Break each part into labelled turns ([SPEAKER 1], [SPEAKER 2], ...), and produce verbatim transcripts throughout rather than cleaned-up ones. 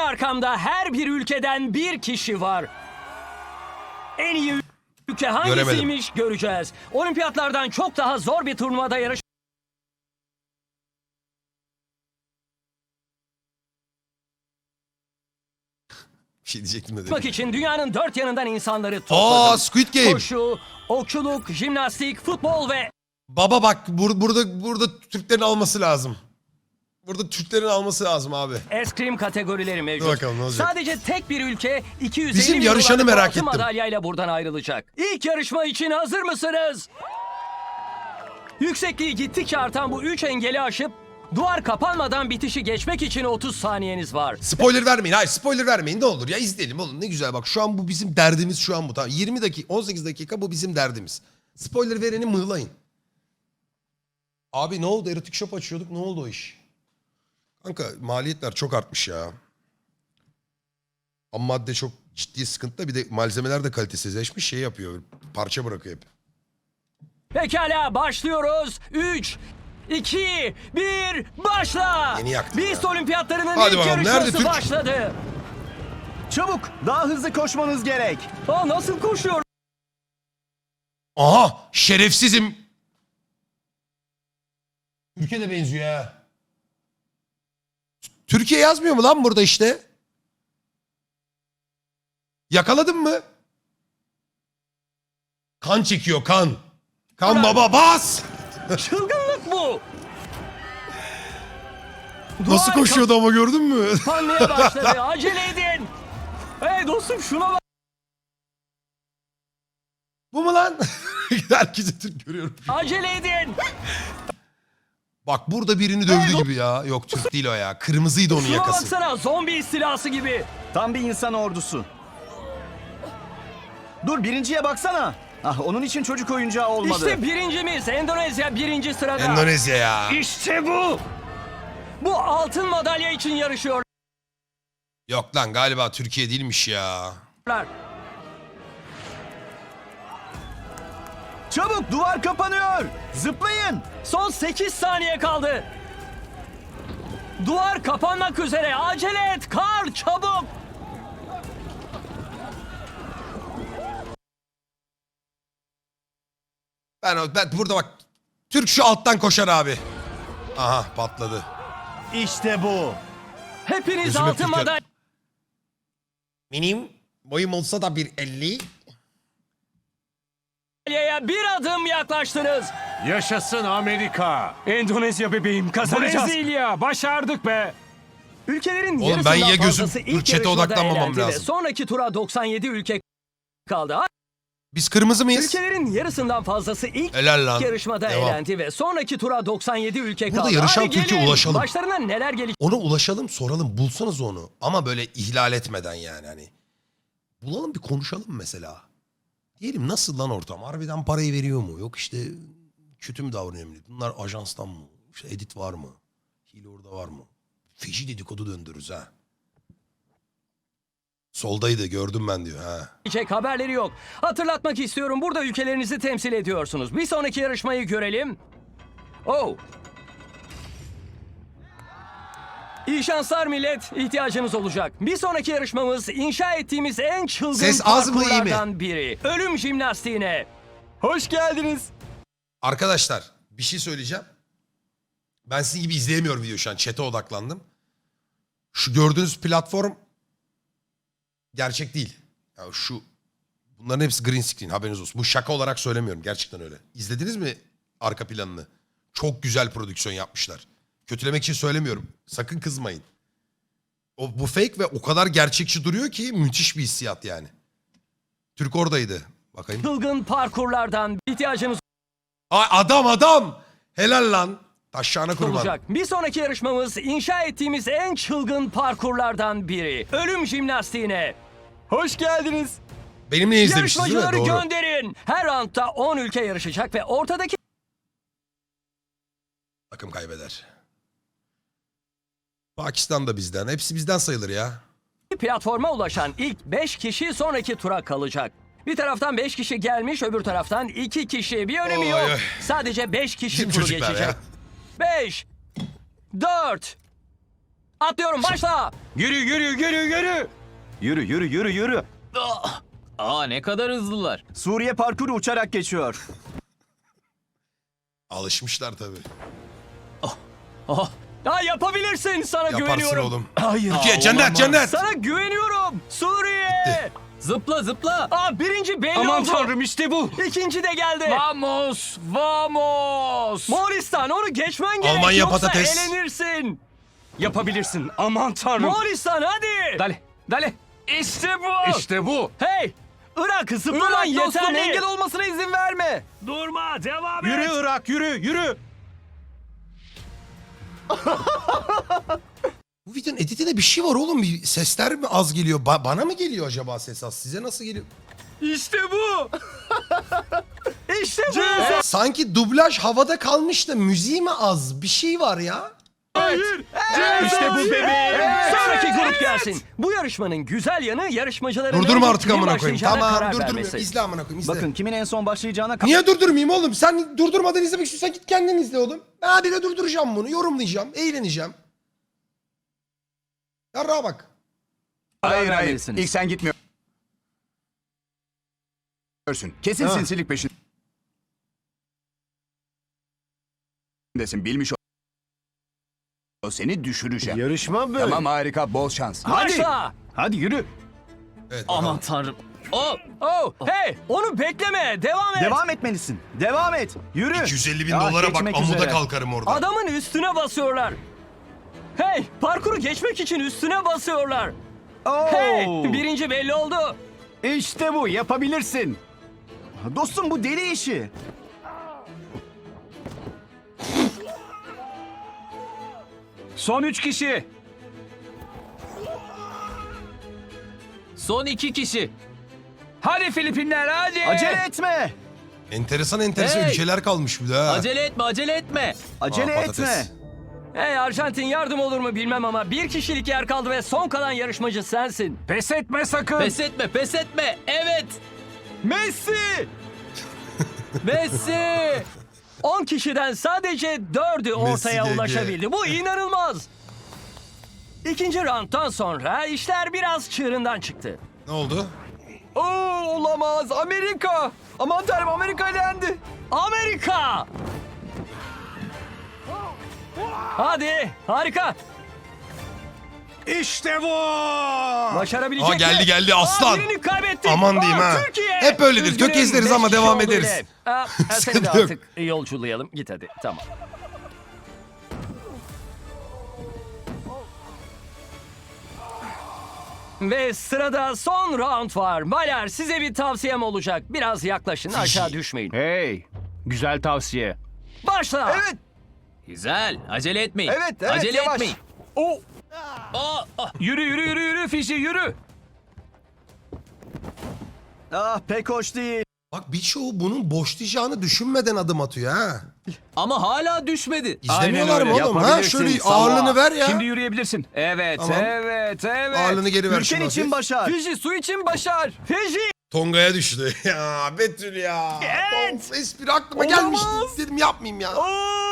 [SPEAKER 1] arkamda her bir ülkeden bir kişi var. En iyi ülke hangisiymiş göreceğiz. Olimpiyatlardan çok daha zor bir turnuvada yarış.
[SPEAKER 2] Bir şey diyecektim de
[SPEAKER 1] Yapmak
[SPEAKER 2] dedim.
[SPEAKER 1] için dünyanın dört yanından insanları topladım.
[SPEAKER 2] Aa, Squid Game.
[SPEAKER 1] Koşu, okçuluk, jimnastik, futbol ve
[SPEAKER 2] Baba bak bur burada burada Türklerin alması lazım. Burada Türklerin alması lazım abi.
[SPEAKER 1] eskrim kategorileri mevcut.
[SPEAKER 2] Dur bakalım ne olacak?
[SPEAKER 1] Sadece tek bir ülke iki yüz elli
[SPEAKER 2] Bizim
[SPEAKER 1] bin
[SPEAKER 2] yarışanı
[SPEAKER 1] dolarlık
[SPEAKER 2] merak
[SPEAKER 1] altın
[SPEAKER 2] ettim.
[SPEAKER 1] madalyayla buradan ayrılacak. İlk yarışma için hazır mısınız? Yüksekliği gittikçe artan bu üç engeli aşıp duvar kapanmadan bitişi geçmek için otuz saniyeniz var.
[SPEAKER 2] Spoiler vermeyin. Hayır spoiler vermeyin ne olur ya izleyelim oğlum ne güzel bak şu an bu bizim derdimiz şu an bu. Tamam yirmi dakika on sekiz dakika bu bizim derdimiz. Spoiler vereni mığlayın. Abi ne oldu erotik shop açıyorduk ne oldu o iş? Kanka maliyetler çok artmış ya. Ham madde çok ciddi sıkıntıda bir de malzemeler de kalitesizleşmiş şey yapıyor parça bırakıyor hep.
[SPEAKER 1] Pekala başlıyoruz. üç, iki, bir başla.
[SPEAKER 2] Yeni yaktım
[SPEAKER 1] Beast
[SPEAKER 2] ya.
[SPEAKER 1] Olimpiyatlarının
[SPEAKER 2] Hadi
[SPEAKER 1] ilk
[SPEAKER 2] bakalım, nerede
[SPEAKER 1] yarışması
[SPEAKER 2] Türk?
[SPEAKER 1] başladı.
[SPEAKER 3] Çabuk, daha hızlı koşmanız gerek.
[SPEAKER 1] Aa, nasıl koşuyor?
[SPEAKER 2] Aha şerefsizim. Ülke de benziyor ha. Türkiye yazmıyor mu lan burada işte? Yakaladın mı? Kan çekiyor kan. Kan baba bas.
[SPEAKER 1] Çılgınlık bu.
[SPEAKER 2] Nasıl
[SPEAKER 1] Duvar
[SPEAKER 2] koşuyordu ama gördün mü?
[SPEAKER 1] kapanmaya başladı. Acele edin. Hey dostum şuna bak.
[SPEAKER 2] Bu mu lan? Herkese Türk görüyorum.
[SPEAKER 1] Acele edin.
[SPEAKER 2] Bak burada birini dövdü gibi ya. Yok Türk değil o ya. Kırmızıydı onun
[SPEAKER 1] Şuna
[SPEAKER 2] yakası.
[SPEAKER 1] baksana zombi istilası gibi.
[SPEAKER 3] Tam bir insan ordusu. Dur, birinciye baksana. Ah, onun için çocuk oyuncağı olmadı.
[SPEAKER 1] İşte birincimiz Endonezya birinci sırada.
[SPEAKER 2] Endonezya ya.
[SPEAKER 1] İşte bu. Bu altın madalya için yarışıyorlar.
[SPEAKER 2] Yok lan galiba Türkiye değilmiş ya.
[SPEAKER 3] Çabuk, duvar kapanıyor. Zıplayın.
[SPEAKER 1] Son sekiz saniye kaldı. Duvar kapanmak üzere. Acele et. Karl çabuk.
[SPEAKER 2] Ben, o- ben burada bak. Türk şu alttan koşar abi. Aha patladı.
[SPEAKER 3] İşte bu.
[SPEAKER 1] Hepiniz
[SPEAKER 2] Gözüme
[SPEAKER 1] altın
[SPEAKER 2] Türkiye-
[SPEAKER 1] madalya.
[SPEAKER 2] Benim boyum olsa da bir elli.
[SPEAKER 1] Madalyaya bir adım yaklaştınız.
[SPEAKER 4] Yaşasın Amerika.
[SPEAKER 1] Endonezya bebeğim kazanacağız.
[SPEAKER 4] Brezilya başardık be.
[SPEAKER 1] Ülkelerin
[SPEAKER 2] Oğlum
[SPEAKER 1] yarısından
[SPEAKER 2] ben ya gözüm-
[SPEAKER 1] fazlası
[SPEAKER 2] dur,
[SPEAKER 1] ilk
[SPEAKER 2] chat'e
[SPEAKER 1] yarışmada
[SPEAKER 2] odaklanmamam
[SPEAKER 1] elendi ve
[SPEAKER 2] lazım.
[SPEAKER 1] sonraki tura doksan yedi ülke kaldı.
[SPEAKER 2] Biz kırmızı mıyız?
[SPEAKER 1] Ülkelerin yarısından fazlası ilk
[SPEAKER 2] Helal lan.
[SPEAKER 1] yarışmada
[SPEAKER 2] Devam.
[SPEAKER 1] elendi ve sonraki tura doksan yedi ülke
[SPEAKER 2] Burada
[SPEAKER 1] kaldı.
[SPEAKER 2] yarışan
[SPEAKER 1] Hadi
[SPEAKER 2] Türkiye
[SPEAKER 1] gelin.
[SPEAKER 2] ulaşalım.
[SPEAKER 1] Başlarına neler gelecek?
[SPEAKER 2] Ona ulaşalım soralım bulsanız onu. Ama böyle ihlal etmeden yani hani. Bulalım bir konuşalım mesela. Diyelim nasıl lan ortam? Harbiden parayı veriyor mu? Yok işte kötü mü davranıyor millet? Bunlar ajanstan mı? İşte edit var mı? Hile orada var mı? Feci dedikodu döndürürüz ha. Soldaydı gördüm ben diyor ha.
[SPEAKER 1] Haberleri yok. Hatırlatmak istiyorum burada ülkelerinizi temsil ediyorsunuz. Bir sonraki yarışmayı görelim. Oh. İyi şanslar millet. İhtiyacınız olacak. Bir sonraki yarışmamız inşa ettiğimiz en çılgın
[SPEAKER 2] Ses az mı, iyi mi?
[SPEAKER 1] parkurlardan biri. Ölüm jimnastiğine.
[SPEAKER 3] Hoş geldiniz.
[SPEAKER 2] Arkadaşlar bir şey söyleyeceğim. Ben sizin gibi izleyemiyorum video şu an. Chat'e odaklandım. Şu gördüğünüz platform gerçek değil. Ya şu bunların hepsi green screen haberiniz olsun. Bu şaka olarak söylemiyorum. Gerçekten öyle. İzlediniz mi arka planını? Çok güzel prodüksiyon yapmışlar. Kötülemek için söylemiyorum. Sakın kızmayın. O, bu fake ve o kadar gerçekçi duruyor ki müthiş bir hissiyat yani. Türk oradaydı. Bakayım.
[SPEAKER 1] Çılgın parkurlardan ihtiyacınız
[SPEAKER 2] Ay adam adam. Helal lan. Taşağına kurban.
[SPEAKER 1] olacak. Bir sonraki yarışmamız inşa ettiğimiz en çılgın parkurlardan biri. Ölüm jimnastiğine.
[SPEAKER 3] Hoş geldiniz.
[SPEAKER 2] Benimle izlemiştiniz değil mi?
[SPEAKER 1] Yarışmacıları
[SPEAKER 2] Doğru.
[SPEAKER 1] gönderin. Her roundda on ülke yarışacak ve ortadaki
[SPEAKER 2] Takım kaybeder. Pakistan da bizden. Hepsi bizden sayılır ya.
[SPEAKER 1] platforma ulaşan ilk beş kişi sonraki tura kalacak. Bir taraftan beş kişi gelmiş, öbür taraftan iki kişi. Bir önemi
[SPEAKER 2] Oy,
[SPEAKER 1] yok.
[SPEAKER 2] oy.
[SPEAKER 1] Sadece beş kişi
[SPEAKER 2] Bizim
[SPEAKER 1] turu
[SPEAKER 2] çocuklar
[SPEAKER 1] geçecek.
[SPEAKER 2] ya.
[SPEAKER 1] beş, dört, Atlıyorum, başla.
[SPEAKER 4] Yürü yürü yürü yürü.
[SPEAKER 3] Yürü yürü yürü yürü.
[SPEAKER 5] Aa ne kadar hızlılar.
[SPEAKER 3] Suriye parkuru uçarak geçiyor.
[SPEAKER 2] Alışmışlar tabii.
[SPEAKER 1] Ha, yapabilirsin, sana
[SPEAKER 2] Yaparsın
[SPEAKER 1] güveniyorum.
[SPEAKER 2] oğlum.
[SPEAKER 3] Hayır.
[SPEAKER 2] Türkiye cennet cennet.
[SPEAKER 1] Sana güveniyorum. Suriye.
[SPEAKER 5] Zıpla zıpla.
[SPEAKER 1] Aa, birinci belli
[SPEAKER 4] Aman
[SPEAKER 1] oldu.
[SPEAKER 4] tanrım işte bu.
[SPEAKER 1] İkinci de geldi.
[SPEAKER 5] Vamos, vamos.
[SPEAKER 1] Moğolistan, onu geçmen gerek.
[SPEAKER 2] Almanya
[SPEAKER 1] Yoksa
[SPEAKER 2] patates.
[SPEAKER 1] elenirsin.
[SPEAKER 4] Yapabilirsin. Aman tanrım.
[SPEAKER 1] Moğolistan, hadi.
[SPEAKER 4] Dale dale.
[SPEAKER 1] İşte bu.
[SPEAKER 4] İşte bu.
[SPEAKER 1] Hey. Irak, zıplaman
[SPEAKER 3] Irak dostum,
[SPEAKER 1] yeterli.
[SPEAKER 3] engel olmasına izin verme.
[SPEAKER 1] Durma, devam et.
[SPEAKER 4] Yürü Irak yürü yürü.
[SPEAKER 2] Bu videonun editinde bir şey var oğlum. Bir sesler mi az geliyor? Ba- bana mı geliyor acaba ses az? Size nasıl geliyor?
[SPEAKER 1] İşte bu. İşte bu.
[SPEAKER 2] Sanki dublaj havada kalmış da müziği mi az? Bir şey var ya.
[SPEAKER 1] Hayır.
[SPEAKER 4] İşte bu bebeğim.
[SPEAKER 1] Sonraki grup gelsin. Bu yarışmanın güzel yanı yarışmacıların
[SPEAKER 2] Durdurma
[SPEAKER 1] önce
[SPEAKER 2] artık
[SPEAKER 1] kimin
[SPEAKER 2] amına koyayım.
[SPEAKER 1] başlayacağına
[SPEAKER 2] Tamam
[SPEAKER 1] karar
[SPEAKER 2] durdurmuyorum.
[SPEAKER 1] vermesi.
[SPEAKER 2] İzle amına koyayım izle.
[SPEAKER 3] Bakın kimin en son başlayacağına ka-
[SPEAKER 2] Niye durdurmayayım oğlum? Sen durdurmadan izlemek istiyorsan git kendin izle oğlum. Ben habire durduracağım bunu. Yorumlayacağım. Eğleneceğim. Yarrağa bak.
[SPEAKER 3] karar
[SPEAKER 6] Hayır hayır.
[SPEAKER 3] vermelisiniz.
[SPEAKER 6] İlk sen gitmiyorsun. Kesin
[SPEAKER 2] Ha.
[SPEAKER 6] sinsilik peşindesin. Bilmiş ol. O seni düşürecek.
[SPEAKER 3] Yarışma böyle.
[SPEAKER 6] Tamam harika. Bol şans.
[SPEAKER 1] Başla.
[SPEAKER 3] Hadi yürü.
[SPEAKER 2] Evet,
[SPEAKER 5] Aman
[SPEAKER 2] bakalım.
[SPEAKER 5] tanrım. Oh,
[SPEAKER 1] Oh, hey, onu bekleme. Devam et.
[SPEAKER 3] Devam etmelisin. Devam et. Yürü.
[SPEAKER 2] iki yüz elli bin
[SPEAKER 3] Ya,
[SPEAKER 2] dolara bak
[SPEAKER 3] geçmek
[SPEAKER 2] amuda
[SPEAKER 3] üzere.
[SPEAKER 2] kalkarım orada.
[SPEAKER 1] Adamın üstüne basıyorlar. Hey, parkuru geçmek için üstüne basıyorlar.
[SPEAKER 3] Oo.
[SPEAKER 1] Hey, birinci belli oldu.
[SPEAKER 3] İşte bu, yapabilirsin. Dostum bu deli işi.
[SPEAKER 4] Son üç kişi.
[SPEAKER 5] son iki kişi.
[SPEAKER 4] Hadi Filipinler hadi.
[SPEAKER 3] Acele etme.
[SPEAKER 2] Enteresan enteresan
[SPEAKER 5] Hey!
[SPEAKER 2] ülkeler kalmış bir de ha.
[SPEAKER 5] Acele etme, acele etme.
[SPEAKER 3] Acele
[SPEAKER 2] Aa, patates.
[SPEAKER 3] etme.
[SPEAKER 1] Hey, Arjantin yardım olur mu bilmem ama bir kişilik yer kaldı ve son kalan yarışmacı sensin.
[SPEAKER 4] Pes etme sakın.
[SPEAKER 5] Pes etme, pes etme. Evet.
[SPEAKER 1] Messi!
[SPEAKER 5] Messi.
[SPEAKER 1] on kişiden sadece dördü ortaya
[SPEAKER 2] Messi G G.
[SPEAKER 1] ulaşabildi. Bu inanılmaz. İkinci rounddan sonra işler biraz çığırından çıktı.
[SPEAKER 2] Ne oldu?
[SPEAKER 3] Oo, olamaz. Amerika. Aman tanrım, Amerika elendi.
[SPEAKER 1] Amerika! Hadi, harika.
[SPEAKER 4] İşte bu.
[SPEAKER 1] Başarabilecek
[SPEAKER 2] Aa, geldi,
[SPEAKER 1] mi?
[SPEAKER 2] geldi, aslan.
[SPEAKER 1] Aa, birini kaybettik.
[SPEAKER 2] Aman diyeyim
[SPEAKER 1] Aa,
[SPEAKER 2] ha.
[SPEAKER 1] Türkiye.
[SPEAKER 2] Hep öyledir,
[SPEAKER 1] Üzgünüm,
[SPEAKER 2] tökezleriz ama
[SPEAKER 1] beş
[SPEAKER 2] devam
[SPEAKER 1] kişi oldu
[SPEAKER 2] ederiz.
[SPEAKER 1] bile. Aa, seni de
[SPEAKER 2] Sıkıntı yok.
[SPEAKER 1] artık yolculayalım. Git hadi, tamam. Ve sırada son round var. Baylar, size bir tavsiyem olacak. Biraz yaklaşın, aşağı düşmeyin.
[SPEAKER 4] Hey. Güzel tavsiye.
[SPEAKER 1] Başla.
[SPEAKER 3] Evet.
[SPEAKER 5] Güzel. Acele etmeyin.
[SPEAKER 3] Evet, evet,
[SPEAKER 5] Acele
[SPEAKER 3] yavaş.
[SPEAKER 5] etmeyin.
[SPEAKER 3] Oo.
[SPEAKER 5] Aa, ah.
[SPEAKER 4] Yürü yürü yürü yürü Fişi yürü.
[SPEAKER 3] Ah, pek hoş değil.
[SPEAKER 2] Bak birçoğu bunun boşlayacağını düşünmeden adım atıyor ha.
[SPEAKER 5] Ama hala düşmedi.
[SPEAKER 2] İzlemiyorlar mı
[SPEAKER 4] öyle,
[SPEAKER 2] oğlum ha?
[SPEAKER 4] yapabilirsin.
[SPEAKER 2] Şöyle
[SPEAKER 4] Sağ ol.
[SPEAKER 2] ağırlığını ver ya.
[SPEAKER 4] Şimdi yürüyebilirsin. Evet
[SPEAKER 2] Tamam.
[SPEAKER 4] evet evet.
[SPEAKER 2] Ağırlığını geri ver
[SPEAKER 3] Ülken
[SPEAKER 2] şuna.
[SPEAKER 3] için başar.
[SPEAKER 1] Fiji su için başar. Fiji.
[SPEAKER 2] Tonga'ya düştü. Ya Betül ya.
[SPEAKER 1] Evet.
[SPEAKER 2] Of, espri aklıma
[SPEAKER 1] Olamaz.
[SPEAKER 2] gelmişti. Dedim yapmayayım ya.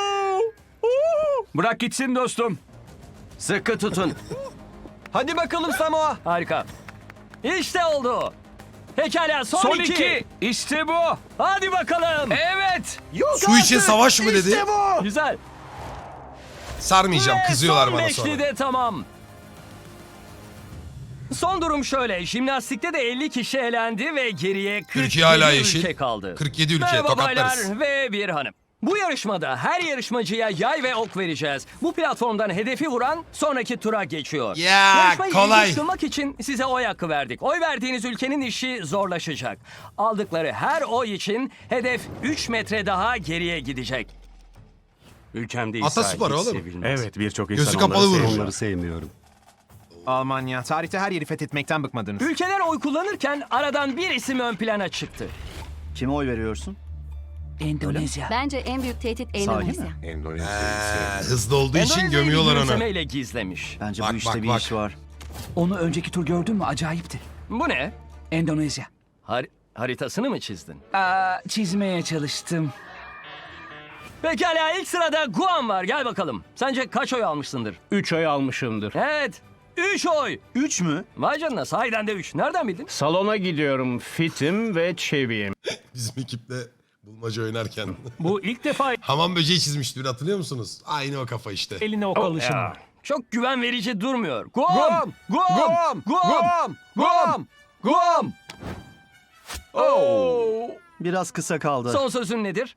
[SPEAKER 4] Bırak gitsin dostum.
[SPEAKER 3] Sıkı tutun. Hadi bakalım Samoa.
[SPEAKER 1] Harika. İşte oldu. Pekala, son,
[SPEAKER 4] Son
[SPEAKER 1] iki.
[SPEAKER 4] iki. İşte bu.
[SPEAKER 1] Hadi bakalım.
[SPEAKER 4] Evet.
[SPEAKER 3] Yok
[SPEAKER 2] Su için
[SPEAKER 3] artık.
[SPEAKER 2] savaş mı dedi?
[SPEAKER 3] İşte bu.
[SPEAKER 1] Güzel.
[SPEAKER 2] Sarmayacağım.
[SPEAKER 1] Ve
[SPEAKER 2] Kızıyorlar
[SPEAKER 1] son
[SPEAKER 2] bana
[SPEAKER 1] beşli
[SPEAKER 2] sonra.
[SPEAKER 1] de tamam. Son durum şöyle. Jimnastikte de elli kişi elendi ve geriye kırk
[SPEAKER 2] Türkiye hala
[SPEAKER 1] yedi
[SPEAKER 2] yeşil.
[SPEAKER 1] ülke kaldı.
[SPEAKER 2] kırk yedi ülke
[SPEAKER 1] Merhaba
[SPEAKER 2] tokatlarız.
[SPEAKER 1] baylar ve bir hanım. Bu yarışmada her yarışmacıya yay ve ok vereceğiz. Bu platformdan hedefi vuran sonraki tura geçiyor.
[SPEAKER 2] Ya,
[SPEAKER 1] Yarışmayı
[SPEAKER 2] kolay.
[SPEAKER 1] ilginç kılmak için size oy hakkı verdik. Oy verdiğiniz ülkenin işi zorlaşacak. Aldıkları her oy için hedef üç metre daha geriye gidecek.
[SPEAKER 7] Ülkemde
[SPEAKER 2] Ataspor
[SPEAKER 7] İsrail hiç
[SPEAKER 2] oğlum.
[SPEAKER 7] sevilmez.
[SPEAKER 4] Evet birçok
[SPEAKER 2] Gözü
[SPEAKER 4] insan
[SPEAKER 2] kapalı
[SPEAKER 4] onları
[SPEAKER 2] vurur.
[SPEAKER 4] sevmiyor.
[SPEAKER 7] Onları sevmiyorum.
[SPEAKER 8] Almanya. Tarihte her yeri fethetmekten bıkmadınız.
[SPEAKER 1] Ülkeler oy kullanırken aradan bir isim ön plana çıktı.
[SPEAKER 3] Kime oy veriyorsun?
[SPEAKER 9] Bence en büyük tehdit
[SPEAKER 3] Sahi
[SPEAKER 9] Endonezya.
[SPEAKER 3] mi?
[SPEAKER 7] Endonezya'yı
[SPEAKER 2] Ee,
[SPEAKER 7] sevmiyorum.
[SPEAKER 2] hızlı olduğu için
[SPEAKER 1] Endonezya'yı
[SPEAKER 2] gömüyorlar
[SPEAKER 1] bir
[SPEAKER 2] onu.
[SPEAKER 1] gülümsemeyle gizlemiş.
[SPEAKER 3] Bence
[SPEAKER 2] Bak,
[SPEAKER 3] bu işte
[SPEAKER 2] bak,
[SPEAKER 3] bir
[SPEAKER 2] bak.
[SPEAKER 3] iş var.
[SPEAKER 10] Onu önceki tur gördün mü? Acayipti.
[SPEAKER 1] Bu ne?
[SPEAKER 10] Endonezya.
[SPEAKER 1] Har- haritasını mı çizdin?
[SPEAKER 10] Aa, çizmeye çalıştım.
[SPEAKER 1] Pekala ilk sırada Guam var. Gel bakalım. Sence kaç oy almışsındır?
[SPEAKER 7] Üç ay almışımdır.
[SPEAKER 1] Evet. üç oy.
[SPEAKER 8] Üç mü?
[SPEAKER 1] Vay canına sahiden de üç. Nereden bildin?
[SPEAKER 7] Salona gidiyorum. Fitim ve çeviyim.
[SPEAKER 2] Bizim ekiple bulmaca oynarken.
[SPEAKER 10] Bu ilk defa
[SPEAKER 2] Hamam böceği çizmişti bir hatırlıyor musunuz? Aynı o kafa işte.
[SPEAKER 10] eline ok alışım.
[SPEAKER 1] Ya, çok güven verici durmuyor. Guam!
[SPEAKER 3] Guam!
[SPEAKER 1] Guam!
[SPEAKER 3] Guam! Guam! Guam! Guam!
[SPEAKER 1] Oh!
[SPEAKER 8] Biraz kısa kaldı.
[SPEAKER 1] Son sözün nedir?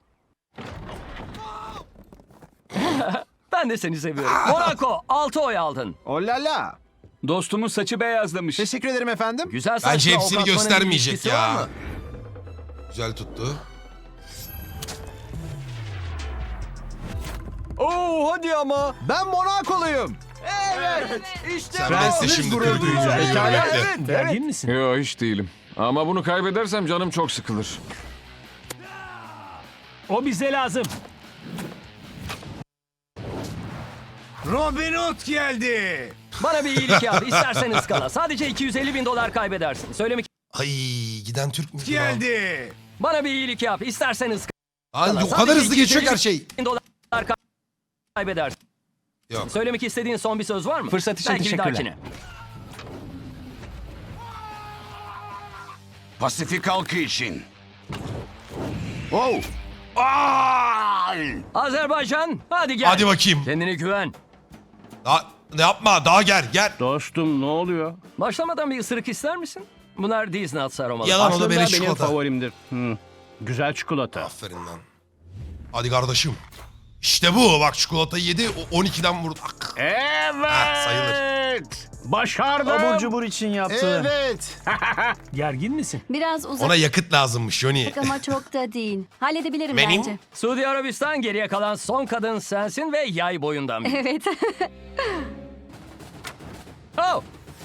[SPEAKER 1] Ben de seni seviyorum. Monaco altı oy aldın.
[SPEAKER 8] Olala.
[SPEAKER 4] Dostumun saçı beyazlamış.
[SPEAKER 8] Teşekkür ederim efendim.
[SPEAKER 1] Güzel saçla
[SPEAKER 2] Bence
[SPEAKER 1] ok
[SPEAKER 2] hepsini
[SPEAKER 1] atmanın bir
[SPEAKER 2] göstermeyecek
[SPEAKER 1] ilişkisi var
[SPEAKER 2] ya.
[SPEAKER 1] mı?
[SPEAKER 2] Güzel tuttu.
[SPEAKER 3] Oo hadi ama.
[SPEAKER 8] Ben Monakoluyum.
[SPEAKER 3] Evet. İşte
[SPEAKER 2] Sen
[SPEAKER 3] bu.
[SPEAKER 2] ben de şimdi
[SPEAKER 3] Gurur
[SPEAKER 2] kırdın
[SPEAKER 3] duyacağım.
[SPEAKER 2] ya.
[SPEAKER 3] Pekala,
[SPEAKER 2] Bekle.
[SPEAKER 3] evet, evet.
[SPEAKER 10] Gergin misin?
[SPEAKER 11] Yo hiç değilim. Ama bunu kaybedersem canım çok sıkılır.
[SPEAKER 10] O bize lazım.
[SPEAKER 6] Robin Hood geldi.
[SPEAKER 1] Bana bir iyilik yap. İstersen ıskala. Sadece iki yüz elli bin dolar kaybedersin. Söylemek
[SPEAKER 2] Ay giden Türk müydü lan?
[SPEAKER 6] Geldi.
[SPEAKER 1] Bana bir iyilik yap. İstersen ıskala.
[SPEAKER 2] Ay, o
[SPEAKER 1] Sadece
[SPEAKER 2] kadar hızlı
[SPEAKER 1] iki yüz
[SPEAKER 2] geçiyor ki her
[SPEAKER 1] elli
[SPEAKER 2] şey.
[SPEAKER 1] bin dolar kaybedersin.
[SPEAKER 2] Yok.
[SPEAKER 1] Söylemek istediğin son bir söz var mı?
[SPEAKER 10] Fırsat için
[SPEAKER 1] Belki bir
[SPEAKER 10] teşekkürler.
[SPEAKER 1] dahakine.
[SPEAKER 6] Pasifik halkı için. Oh. Ay!
[SPEAKER 1] Azerbaycan hadi gel.
[SPEAKER 2] Hadi bakayım.
[SPEAKER 1] Kendine güven.
[SPEAKER 2] Daha, ne yapma daha gel gel.
[SPEAKER 7] Dostum ne oluyor?
[SPEAKER 1] Başlamadan bir ısırık ister misin? Bunlar Disney atsı aromalı.
[SPEAKER 2] Yalan o da
[SPEAKER 7] Aslında
[SPEAKER 2] beleş
[SPEAKER 7] benim
[SPEAKER 2] çikolata.
[SPEAKER 7] favorimdir. Hı. Güzel çikolata.
[SPEAKER 2] Aferin lan. Hadi kardeşim. İşte bu bak çikolatayı yedi o on ikiden vurdu. Ah.
[SPEAKER 7] Evet.
[SPEAKER 2] Ha, sayılır.
[SPEAKER 7] Başardım.
[SPEAKER 8] Abur cubur için yaptı. Evet.
[SPEAKER 10] Gergin misin?
[SPEAKER 9] Biraz uzak
[SPEAKER 2] Ona yakıt lazımmış Johnny.
[SPEAKER 9] ama çok da değil. Halledebilirim
[SPEAKER 2] Benim?
[SPEAKER 9] bence.
[SPEAKER 1] Suudi Arabistan geriye kalan son kadın sensin ve yay boyundan biri.
[SPEAKER 9] Evet.
[SPEAKER 1] Oh!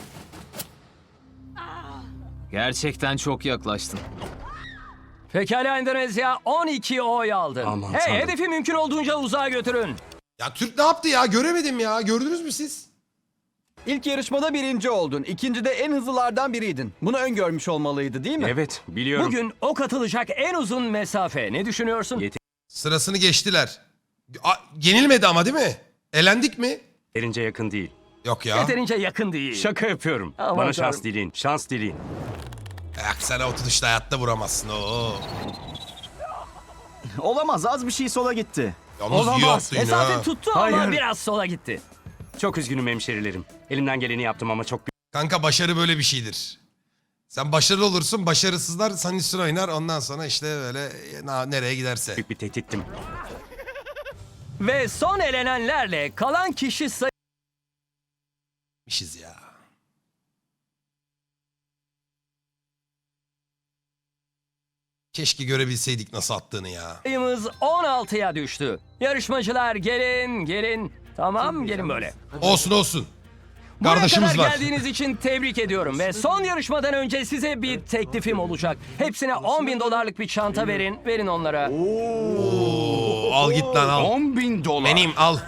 [SPEAKER 5] Gerçekten çok yaklaştın.
[SPEAKER 1] Pekala Endonezya on iki oy aldı.
[SPEAKER 7] Aman
[SPEAKER 1] hey
[SPEAKER 7] tanrım.
[SPEAKER 1] hedefi mümkün olduğunca uzağa götürün.
[SPEAKER 2] Ya Türk ne yaptı ya göremedim ya gördünüz mü siz?
[SPEAKER 3] İlk yarışmada birinci oldun. İkincide en hızlılardan biriydin. Bunu öngörmüş olmalıydı değil mi?
[SPEAKER 11] Evet biliyorum.
[SPEAKER 1] Bugün ok atılacak en uzun mesafe. Ne düşünüyorsun?
[SPEAKER 11] Yet-
[SPEAKER 2] Sırasını geçtiler. A, yenilmedi ama değil mi? Elendik mi?
[SPEAKER 11] Yeterince yakın değil.
[SPEAKER 2] Yok ya.
[SPEAKER 1] Yeterince yakın değil.
[SPEAKER 11] Şaka yapıyorum.
[SPEAKER 1] Aman
[SPEAKER 11] Bana
[SPEAKER 1] tanrım.
[SPEAKER 11] şans dileyin. Şans dileyin.
[SPEAKER 2] Yak sen o tutuşta hayatta vuramazsın. Oo.
[SPEAKER 8] Olamaz, az bir şey sola gitti.
[SPEAKER 2] Yalnız iyi yaptın
[SPEAKER 1] Mesafe
[SPEAKER 2] ya.
[SPEAKER 1] tuttu ama
[SPEAKER 11] Hayır.
[SPEAKER 1] biraz sola gitti.
[SPEAKER 11] Çok üzgünüm hemşerilerim. Elimden geleni yaptım ama çok
[SPEAKER 2] Kanka başarı böyle bir şeydir. Sen başarılı olursun, başarısızlar senin üstüne oynar. Ondan sonra işte böyle na- nereye giderse.
[SPEAKER 11] büyük bir tehdittim.
[SPEAKER 1] Ve son elenenlerle kalan kişi
[SPEAKER 2] İşiz ya. Keşke görebilseydik nasıl attığını ya.
[SPEAKER 1] sayımız on altıya düştü. Yarışmacılar gelin gelin. Tamam gelin böyle.
[SPEAKER 2] Olsun olsun.
[SPEAKER 1] Buraya
[SPEAKER 2] Kardeşimiz
[SPEAKER 1] kadar
[SPEAKER 2] var.
[SPEAKER 1] geldiğiniz için tebrik ediyorum. Ve son yarışmadan önce size bir teklifim olacak. Hepsine on bin dolarlık bir çanta verin. Verin onlara.
[SPEAKER 2] Oo, al git lan al.
[SPEAKER 6] on bin dolar.
[SPEAKER 2] Benim al.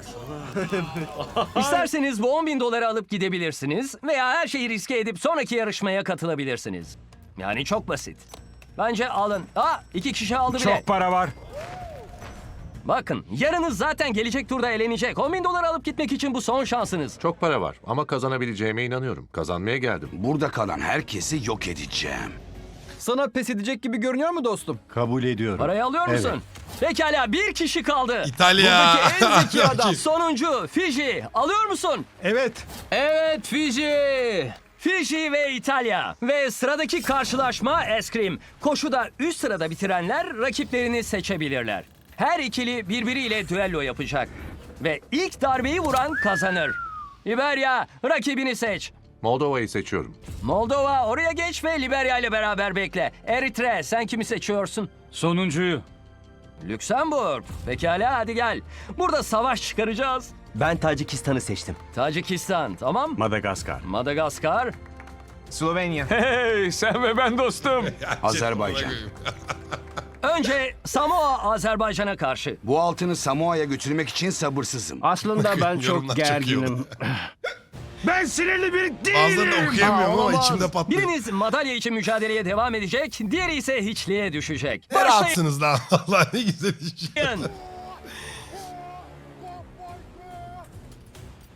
[SPEAKER 1] İsterseniz bu on bin doları alıp gidebilirsiniz. Veya her şeyi riske edip sonraki yarışmaya katılabilirsiniz. Yani çok basit. Bence alın. Aa iki kişi aldı bile.
[SPEAKER 4] Çok para var.
[SPEAKER 1] Bakın yarınız zaten gelecek turda elenecek. on bin dolar alıp gitmek için bu son şansınız.
[SPEAKER 12] Çok para var ama kazanabileceğime inanıyorum. Kazanmaya geldim.
[SPEAKER 6] Burada kalan herkesi yok edeceğim.
[SPEAKER 3] Sana pes edecek gibi görünüyor mu dostum?
[SPEAKER 8] Kabul ediyorum.
[SPEAKER 1] Parayı alıyor musun? Pekala bir kişi kaldı.
[SPEAKER 2] İtalya.
[SPEAKER 1] Buradaki en zeki adam. Sonuncu Fiji. Alıyor musun?
[SPEAKER 8] Evet.
[SPEAKER 5] Evet Fiji.
[SPEAKER 1] Fiji ve İtalya. Ve sıradaki karşılaşma eskrim. Koşuda üst sırada bitirenler rakiplerini seçebilirler. Her ikili birbiriyle düello yapacak. Ve ilk darbeyi vuran kazanır. Liberya rakibini seç.
[SPEAKER 12] Moldova'yı seçiyorum.
[SPEAKER 1] Moldova oraya geç ve Liberya ile beraber bekle. Eritre sen kimi seçiyorsun?
[SPEAKER 4] Sonuncuyu.
[SPEAKER 1] Lüksemburg. Pekala hadi gel. Burada savaş çıkaracağız.
[SPEAKER 3] Ben Tacikistan'ı seçtim.
[SPEAKER 1] Tacikistan tamam.
[SPEAKER 11] Madagaskar.
[SPEAKER 1] Madagaskar.
[SPEAKER 8] Slovenya.
[SPEAKER 4] Hey sen ve ben dostum.
[SPEAKER 6] Azerbaycan.
[SPEAKER 1] Önce Samoa Azerbaycan'a karşı.
[SPEAKER 6] Bu altını Samoa'ya götürmek için sabırsızım.
[SPEAKER 7] Aslında ben
[SPEAKER 2] Yorumlar
[SPEAKER 7] çok
[SPEAKER 2] çok iyi oldu.
[SPEAKER 7] gerginim.
[SPEAKER 6] Ben sinirli bir
[SPEAKER 2] Bazılarını da okuyamıyorum ama
[SPEAKER 1] Olamaz.
[SPEAKER 2] içimde patlıyor.
[SPEAKER 1] Biriniz madalya için mücadeleye devam edecek, diğeri ise hiçliğe düşecek.
[SPEAKER 2] Ne rahatsınız lan. Allah ne güzel iş.
[SPEAKER 1] Başlayın.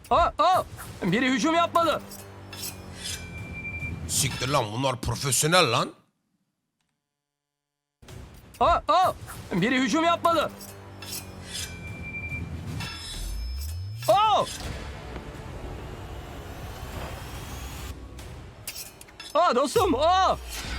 [SPEAKER 1] Aa, aa, biri hücum yapmalı.
[SPEAKER 2] Siktir lan bunlar profesyonel lan.
[SPEAKER 1] Aa, aa, biri hücum yapmalı. Aa! Aa dostum, aa!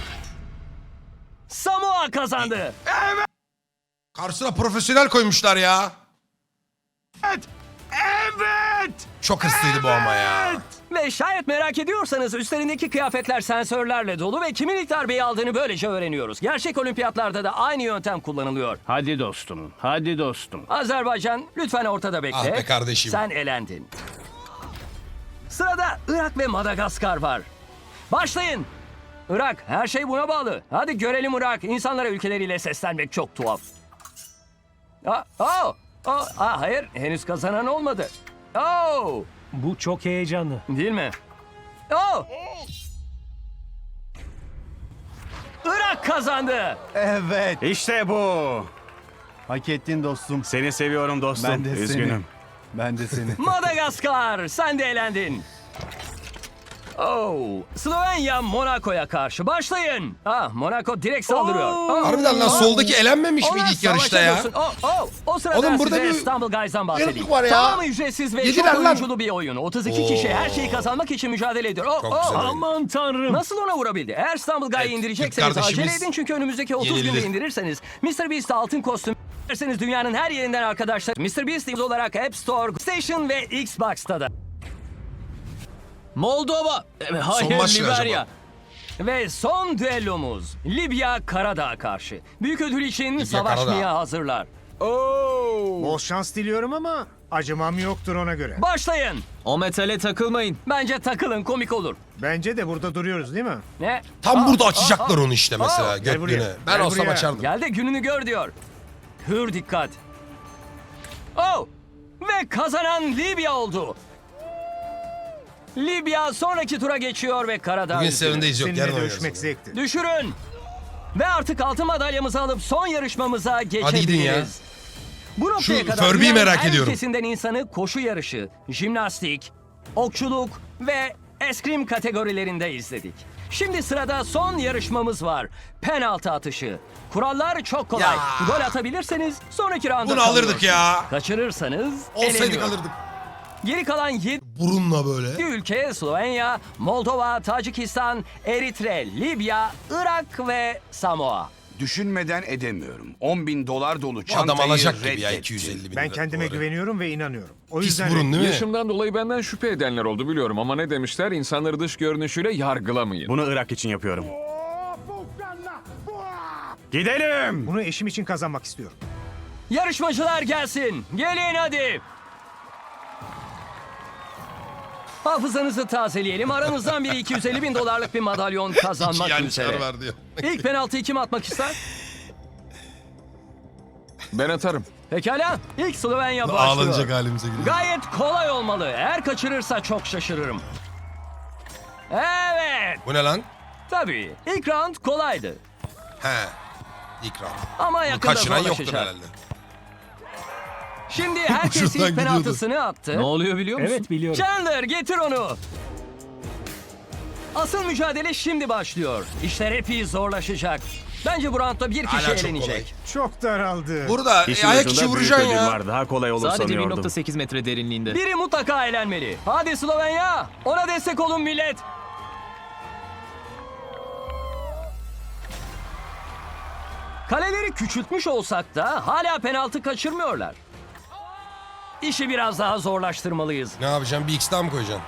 [SPEAKER 1] Samoa kazandı.
[SPEAKER 2] Karşısına profesyonel koymuşlar ya.
[SPEAKER 6] Evet.
[SPEAKER 2] Çok hırslıydı bu ama ya.
[SPEAKER 1] Ve şayet merak ediyorsanız üstlerindeki kıyafetler sensörlerle dolu ve kimin ilk darbeyi aldığını böylece öğreniyoruz. Gerçek olimpiyatlarda da aynı yöntem kullanılıyor.
[SPEAKER 7] Hadi dostum, hadi dostum.
[SPEAKER 1] Azerbaycan lütfen ortada bekle.
[SPEAKER 2] Ah be kardeşim.
[SPEAKER 1] Sen elendin. Sırada Irak ve Madagaskar var. Başlayın. Irak, her şey buna bağlı. Hadi görelim Irak. İnsanlara ülkeleriyle seslenmek çok tuhaf. Aa, aa, aa, aa, hayır, henüz kazanan olmadı. Oo,
[SPEAKER 10] Bu çok heyecanlı.
[SPEAKER 1] değil mi? Oo. Irak kazandı.
[SPEAKER 3] Evet.
[SPEAKER 7] İşte bu.
[SPEAKER 3] Hak ettin dostum.
[SPEAKER 7] Seni seviyorum dostum.
[SPEAKER 3] Ben de seni.
[SPEAKER 7] Üzgünüm.
[SPEAKER 3] Ben de seni.
[SPEAKER 1] Madagaskar, sen de elendin. Oh, Slovenya Monaco'ya karşı başlayın. Ah, Monaco direkt saldırıyor. Oh.
[SPEAKER 2] Harbiden lan soldaki elenmemiş
[SPEAKER 1] Ona
[SPEAKER 2] miydi ilk yarışta ya?
[SPEAKER 1] savaşamıyorsun. Oh, oh. O sırada
[SPEAKER 2] Oğlum burada
[SPEAKER 1] size
[SPEAKER 2] bir
[SPEAKER 1] İstanbul Guys'dan bahsedeyim.
[SPEAKER 2] yarıklık var ya.
[SPEAKER 1] Tamamı ücretsiz ve
[SPEAKER 2] Yediler
[SPEAKER 1] çok
[SPEAKER 2] lan.
[SPEAKER 1] oyunculu bir oyun. otuz iki kişi her şeyi kazanmak için mücadele ediyor. Oh,
[SPEAKER 2] Çok
[SPEAKER 1] oh.
[SPEAKER 2] güzel oyun.
[SPEAKER 10] Aman tanrım.
[SPEAKER 1] Nasıl ona vurabildi? Eğer İstanbul Guy'ı
[SPEAKER 2] Evet,
[SPEAKER 1] indirecekseniz
[SPEAKER 2] Türk
[SPEAKER 1] acele
[SPEAKER 2] kardeşimiz
[SPEAKER 1] edin çünkü önümüzdeki otuz günde
[SPEAKER 2] yenildi.
[SPEAKER 1] indirirseniz mister Beast'e altın kostüm derseniz dünyanın her yerinden arkadaşlar mister Beast olarak App Store, Station ve Xbox'ta da.
[SPEAKER 5] Moldova. E, Hayır,
[SPEAKER 2] Son maç ne
[SPEAKER 5] Liberya.
[SPEAKER 2] acaba?
[SPEAKER 1] Ve son düellomuz Libya Karadağ'a karşı. Büyük ödül için
[SPEAKER 2] Libya
[SPEAKER 1] savaşmaya
[SPEAKER 2] Karadağ.
[SPEAKER 1] hazırlar.
[SPEAKER 8] Bol şans diliyorum ama acımam yoktur ona göre.
[SPEAKER 1] Başlayın.
[SPEAKER 5] O metale takılmayın.
[SPEAKER 1] Bence takılın, komik olur.
[SPEAKER 8] Bence de burada duruyoruz değil mi?
[SPEAKER 1] Ne?
[SPEAKER 2] Tam
[SPEAKER 1] Aa,
[SPEAKER 2] burada
[SPEAKER 1] aa,
[SPEAKER 2] açacaklar
[SPEAKER 1] aa.
[SPEAKER 2] onu işte mesela
[SPEAKER 1] Aa,
[SPEAKER 8] gel buraya.
[SPEAKER 2] götlüğüne. Ben
[SPEAKER 8] Gel
[SPEAKER 2] olsam
[SPEAKER 8] buraya.
[SPEAKER 2] açardım.
[SPEAKER 1] Gel de gününü gör diyor. Hür dikkat. Oh! Ve kazanan Libya oldu. Libya sonraki tura geçiyor ve Karadağ
[SPEAKER 2] Bugün
[SPEAKER 1] üzgünü.
[SPEAKER 2] Seven'deyiz yok yarın
[SPEAKER 8] Seninle
[SPEAKER 2] oynarız.
[SPEAKER 8] dövüşmek zevkti.
[SPEAKER 1] Düşürün. Ve artık altın madalyamızı alıp son yarışmamıza geçebiliriz.
[SPEAKER 2] gidin ya.
[SPEAKER 1] Bu noktaya
[SPEAKER 2] Şu
[SPEAKER 1] kadar
[SPEAKER 2] Furby'yi
[SPEAKER 1] dünyanın
[SPEAKER 2] merak
[SPEAKER 1] her
[SPEAKER 2] ediyorum.
[SPEAKER 1] ülkesinden insanı koşu yarışı, jimnastik, okçuluk ve eskrim kategorilerinde izledik. Şimdi sırada son yarışmamız var. Penaltı atışı. Kurallar çok kolay.
[SPEAKER 2] Ya.
[SPEAKER 1] Gol atabilirseniz sonraki rounda
[SPEAKER 2] Bunu alırdık
[SPEAKER 1] kalıyorsunuz.
[SPEAKER 2] ya.
[SPEAKER 1] Kaçırırsanız
[SPEAKER 2] Olsaydık
[SPEAKER 1] eleniyor.
[SPEAKER 2] alırdık.
[SPEAKER 1] Geri kalan yedi
[SPEAKER 2] Burunla böyle.
[SPEAKER 1] ülke Slovenya, Moldova, Tacikistan, Eritre, Libya, Irak ve Samoa.
[SPEAKER 6] Düşünmeden edemiyorum. on bin dolar dolu
[SPEAKER 2] Bu
[SPEAKER 6] çantayı
[SPEAKER 2] adam alacak gibi ya
[SPEAKER 6] reddetti.
[SPEAKER 2] iki yüz elli bin
[SPEAKER 8] Ben
[SPEAKER 2] lira
[SPEAKER 8] kendime
[SPEAKER 2] doları.
[SPEAKER 8] güveniyorum ve inanıyorum. O
[SPEAKER 2] Pis
[SPEAKER 8] yüzden
[SPEAKER 2] burun değil mi?
[SPEAKER 4] Yaşımdan dolayı benden şüphe edenler oldu biliyorum ama ne demişler? İnsanları dış görünüşüyle yargılamayın.
[SPEAKER 7] Bunu Irak için yapıyorum. Gidelim.
[SPEAKER 8] bunu eşim için kazanmak istiyorum.
[SPEAKER 1] Yarışmacılar gelsin. Gelin hadi. Hafızanızı tazeleyelim. Aranızdan biri iki yüz elli bin dolarlık bir madalyon kazanmak
[SPEAKER 2] İki
[SPEAKER 1] üzere.
[SPEAKER 2] yançar var diyor.
[SPEAKER 1] İlk penaltıyı kim atmak ister?
[SPEAKER 4] Ben atarım.
[SPEAKER 1] Pekala. İlk Slovenya başlıyor.
[SPEAKER 2] Ağlanacak halimize gidiyor.
[SPEAKER 1] Gayet kolay olmalı. Eğer kaçırırsa çok şaşırırım. Evet.
[SPEAKER 2] Bu ne lan?
[SPEAKER 1] Tabii. İlk round kolaydı.
[SPEAKER 2] He. İkram.
[SPEAKER 1] Ama
[SPEAKER 2] Bunu
[SPEAKER 1] yakında
[SPEAKER 2] kaçıran yoktur
[SPEAKER 1] zorlaşacak.
[SPEAKER 2] herhalde.
[SPEAKER 1] Şimdi herkes
[SPEAKER 2] Ucundan
[SPEAKER 1] ilk penaltısını attı.
[SPEAKER 5] Ne oluyor biliyor musun?
[SPEAKER 10] Evet biliyorum.
[SPEAKER 1] Chandler getir onu. Asıl mücadele şimdi başlıyor. İşler epey zorlaşacak. Bence bu roundda bir kişi
[SPEAKER 2] Hala çok
[SPEAKER 1] elenecek.
[SPEAKER 8] Çok daraldı.
[SPEAKER 2] Burada e,
[SPEAKER 7] İşin
[SPEAKER 2] ayak
[SPEAKER 7] ucunda
[SPEAKER 2] içi
[SPEAKER 7] büyük
[SPEAKER 2] vuracaksın
[SPEAKER 7] ödül
[SPEAKER 2] ya.
[SPEAKER 7] var. Daha kolay olur
[SPEAKER 5] Sadece bir
[SPEAKER 7] sanıyordum.
[SPEAKER 5] nokta sekiz metre derinliğinde.
[SPEAKER 1] Biri mutlaka elenmeli. Hadi Slovenya. Ona destek olun millet. Kaleleri küçültmüş olsak da hala penaltı kaçırmıyorlar. İşi biraz daha zorlaştırmalıyız.
[SPEAKER 2] Ne yapacaksın? Bir X daha mı koyacaksın?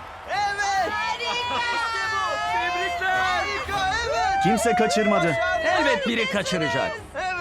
[SPEAKER 7] Kimse kaçırmadı.
[SPEAKER 1] Elbet biri kaçıracak.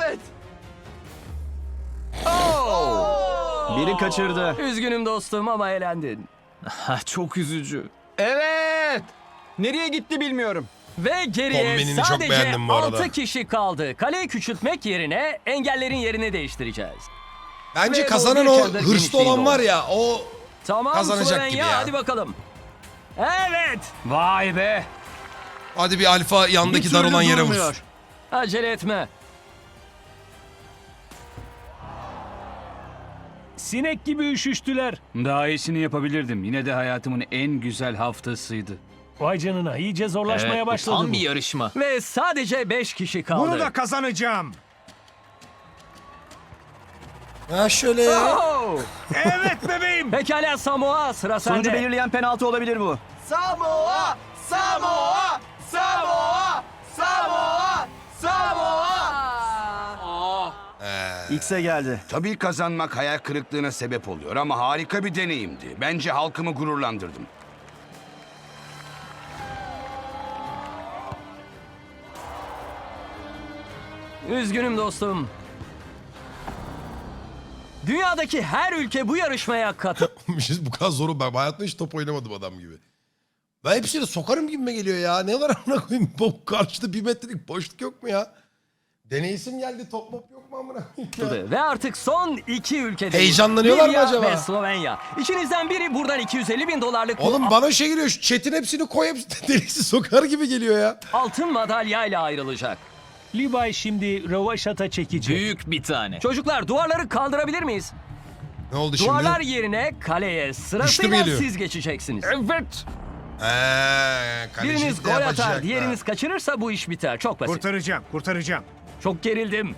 [SPEAKER 1] Oh!
[SPEAKER 7] Biri kaçırdı.
[SPEAKER 1] Üzgünüm dostum ama elendin.
[SPEAKER 5] Ha, çok üzücü.
[SPEAKER 3] Evet. Nereye gitti bilmiyorum.
[SPEAKER 1] Ve geriye
[SPEAKER 2] Kombinini çok
[SPEAKER 1] sadece
[SPEAKER 2] beğendim bu arada.
[SPEAKER 1] altı kişi kaldı. Kaleyi küçültmek yerine engellerin yerini değiştireceğiz.
[SPEAKER 2] Bence
[SPEAKER 1] Ve
[SPEAKER 2] kazanan
[SPEAKER 1] bu
[SPEAKER 2] o
[SPEAKER 1] bir çadır
[SPEAKER 2] hırslı
[SPEAKER 1] genişliğinde
[SPEAKER 2] olan var
[SPEAKER 1] oldu.
[SPEAKER 2] ya o
[SPEAKER 1] Tamam
[SPEAKER 2] Kazanacak
[SPEAKER 1] Slovenya,
[SPEAKER 2] gibi ya.
[SPEAKER 1] hadi bakalım. Evet.
[SPEAKER 5] Vay be.
[SPEAKER 2] hadi bir alfa yandaki
[SPEAKER 1] Bir
[SPEAKER 2] dar
[SPEAKER 1] türlü
[SPEAKER 2] olan yere
[SPEAKER 1] durmuyor.
[SPEAKER 2] vursun.
[SPEAKER 1] Acele etme.
[SPEAKER 10] Sinek gibi üşüştüler.
[SPEAKER 5] Daha iyisini yapabilirdim. Yine de hayatımın en güzel haftasıydı.
[SPEAKER 10] Vay canına iyice zorlaşmaya başladı
[SPEAKER 5] tam
[SPEAKER 10] bu.
[SPEAKER 5] bir yarışma.
[SPEAKER 1] Ve sadece beş kişi kaldı.
[SPEAKER 8] Bunu da kazanacağım.
[SPEAKER 2] Ha şöyle ya.
[SPEAKER 1] Oh!
[SPEAKER 8] Evet bebeğim.
[SPEAKER 1] Pekala Samoa, sıra
[SPEAKER 3] Sonucu
[SPEAKER 1] sende.
[SPEAKER 3] belirleyen penaltı olabilir bu. Samoa! Samoa! Samoa! Samoa! Samoa! X'e geldi.
[SPEAKER 6] Tabii kazanmak hayal kırıklığına sebep oluyor ama harika bir deneyimdi. Bence halkımı gururlandırdım.
[SPEAKER 1] Üzgünüm dostum. Dünyadaki her ülke bu yarışmaya katıl.
[SPEAKER 2] Biz bu kadar zoru ben hayatımda hiç top oynamadım adam gibi. Ben hepsini sokarım gibime geliyor ya. Ne var amına koyayım? Bu karşıda bir metrelik boşluk yok mu ya? Deneysim geldi, top mop yok mu amına koyayım ya?
[SPEAKER 1] Ve artık son iki ülkede.
[SPEAKER 2] Heyecanlanıyorlar mı acaba?
[SPEAKER 1] Ve Slovenya. İçinizden biri buradan iki yüz elli bin dolarlık bu
[SPEAKER 2] Oğlum bana şey geliyor, şu chat'in hepsini koy, hepsini deliksi sokar gibi geliyor ya.
[SPEAKER 1] altın madalyayla ayrılacak.
[SPEAKER 10] Levi şimdi rövaşata çekecek.
[SPEAKER 5] Büyük bir tane.
[SPEAKER 1] Çocuklar duvarları kaldırabilir miyiz?
[SPEAKER 2] Ne oldu şimdi?
[SPEAKER 1] Duvarlar yerine kaleye sırasıyla
[SPEAKER 2] geliyor.
[SPEAKER 1] siz geçeceksiniz.
[SPEAKER 5] Evet.
[SPEAKER 2] Eee, kalecilik
[SPEAKER 1] Biriniz
[SPEAKER 2] de
[SPEAKER 1] gol
[SPEAKER 2] yapacak
[SPEAKER 1] atar,
[SPEAKER 2] da.
[SPEAKER 1] diğeriniz kaçırırsa bu iş biter. Çok basit.
[SPEAKER 8] Kurtaracağım, kurtaracağım.
[SPEAKER 1] Çok gerildim.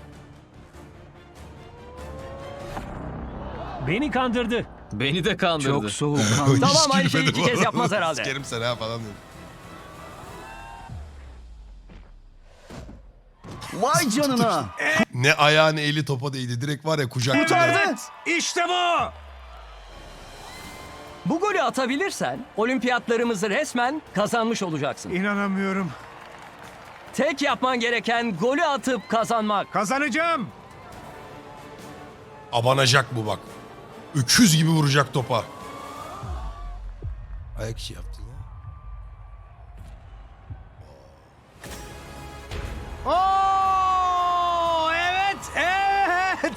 [SPEAKER 10] Beni kandırdı.
[SPEAKER 5] Beni de kandırdı. Çok soğuk.
[SPEAKER 2] Hiç
[SPEAKER 1] Tamam, aynı şeyi
[SPEAKER 2] gülmedim
[SPEAKER 1] iki kez
[SPEAKER 2] oğlum.
[SPEAKER 1] yapmaz herhalde.
[SPEAKER 2] Sikerim seni ha falan diyorum.
[SPEAKER 3] Vay canına.
[SPEAKER 2] Ne ayağı ne eli topa değdi. Direkt var ya kucak.
[SPEAKER 3] Kurtardı.
[SPEAKER 8] İşte bu.
[SPEAKER 1] Bu golü atabilirsen olimpiyatlarımızı resmen kazanmış olacaksın.
[SPEAKER 8] İnanamıyorum.
[SPEAKER 1] Tek yapman gereken golü atıp kazanmak.
[SPEAKER 8] Kazanacağım.
[SPEAKER 2] Abanacak bu bak. Öküz gibi vuracak topa. Ayak işi yaptı ya.
[SPEAKER 8] Oo, evet, evet.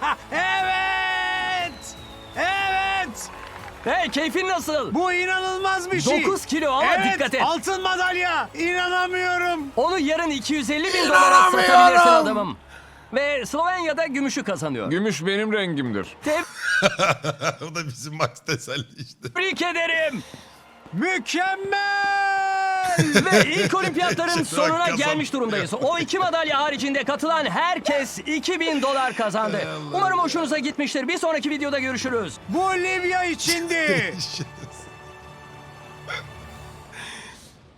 [SPEAKER 8] evet. Evet.
[SPEAKER 1] Hey, keyfin nasıl?
[SPEAKER 8] Bu inanılmaz bir şey.
[SPEAKER 1] dokuz kilo ama
[SPEAKER 8] evet,
[SPEAKER 1] dikkat et.
[SPEAKER 8] altın madalya. İnanamıyorum.
[SPEAKER 1] Onu yarın iki yüz elli bin dolara satabilirsin adamım. Ve Slovenya'da gümüşü kazanıyor.
[SPEAKER 4] Gümüş benim rengimdir.
[SPEAKER 2] O da bizim Max teselli işte.
[SPEAKER 1] Tebrik ederim.
[SPEAKER 8] Mükemmel.
[SPEAKER 1] Ve ilk olimpiyatların
[SPEAKER 2] Şimdi bak,
[SPEAKER 1] sonuna
[SPEAKER 2] kazan-
[SPEAKER 1] gelmiş durumdayız. O iki madalya haricinde katılan herkes iki bin dolar kazandı. Umarım hoşunuza gitmiştir. Bir sonraki videoda görüşürüz.
[SPEAKER 8] Bu Libya içindi.